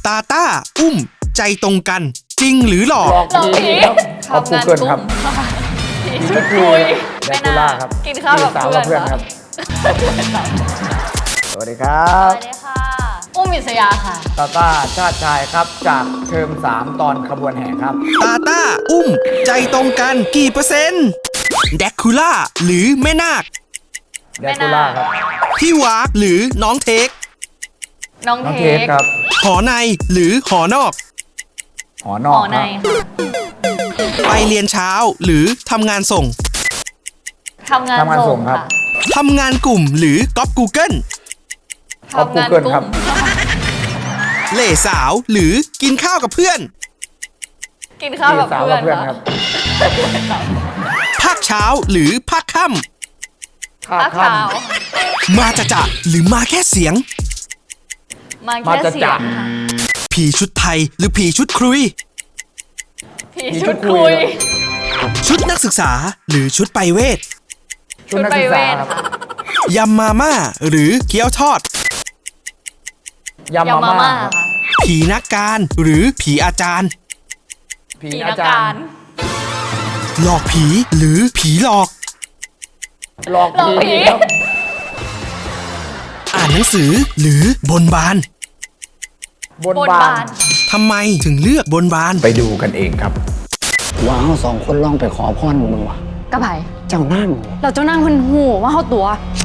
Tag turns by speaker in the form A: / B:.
A: ตาต้า อุ้ม ใจตรงกัน จริงหรือหลอก
B: หลอกผีครับขอบกูเกิลครับ
C: ชุดคุย
B: แดกคูล่าครับ
C: กินข้าวกับ
B: สาว
C: เพื่
B: กั
C: อบ น
B: เพื่อนครับ สวัสดีครั
C: ส
B: บ
C: วัสดีค่ะ อุ้มอิสยาค่ะ
B: ตาตาชาติชายครับจากเทอม3 ตอนขบวนแห่ครับ
A: ตาต้า อุ้ม ใจตรงกันกี่เปอร์เซ็นต์แดกคูล่าหรือแม่นาค
B: แดกคูล่าครับ
A: พี่วากหรือน้องเทค
C: น้อง
B: น้อง
C: เท
B: เทส
C: ค
B: ครับ
A: หอในหรือหอนอก
B: หอน
C: ห
B: อ
C: อก ใน
B: ครับ
C: ค่ะ
A: ไปเรียนเช้าหรือทำงานส่ง
C: ทำงาน
B: ทำงานส่
C: ส่
B: ง
C: ง
B: ครับ
C: ค่ะ
A: ทำงานกลุ่มหรือก๊อป Google
B: ขอบ
C: ทำงาน
B: Google ครับ
A: เล่สาวหรือกินข้าวกับเพื่อน
C: กินข้าวกับ
B: สาว
C: เพื่
B: กั
C: อบ น
B: เพื่อนค
C: ค่ะ
B: รับ
A: ภาคเช้าหรือภาคค่
B: ข้า
C: ข้าว
B: ค่
C: ขาว
A: ำมาจะหรือมาแค่เสียง
C: มา
B: มา
C: แค่
B: จะ
C: เสี
B: จั
C: ย
B: ด
C: งค่ะ
A: ผีชุดไทยหรือผีชุดครุย
C: ผีชุดคุย
A: ชุดนักศึกษาหรือชุดไปเวท
B: ๆชุดนัก
C: ไป
B: ศึก
C: เว
B: ษา
C: ท
B: ครับ
C: ค่ะ
A: ยำมาม่าหรือเกี๊ยวทอด
B: ยำ
C: ยำ
B: มา
C: มา
B: ม่า
C: ม่า
B: ครับ
C: ค่ะ
A: ผีนักการหรือผีอาจารย์
B: ผี
C: ผี
B: อา
C: นัก
B: จาร
C: การ
B: ย์
A: หลอกผีหรือผีหลอก
B: หลอก
C: หลอกผี
B: ผีครับ
A: อ่านหนังสือหรือบนบาน
B: บน
C: บน
B: บา
C: บาน น
A: ทำไมถึงเลือกบนบาน
B: ไปดูกันเองครับ
D: ว่าเราสองคนลองไปขอพรมึงวะ
E: กระไผ
D: เจ้านั่ง
E: เราเจ้านั่งเพิ่นหูว่าเฮาตัว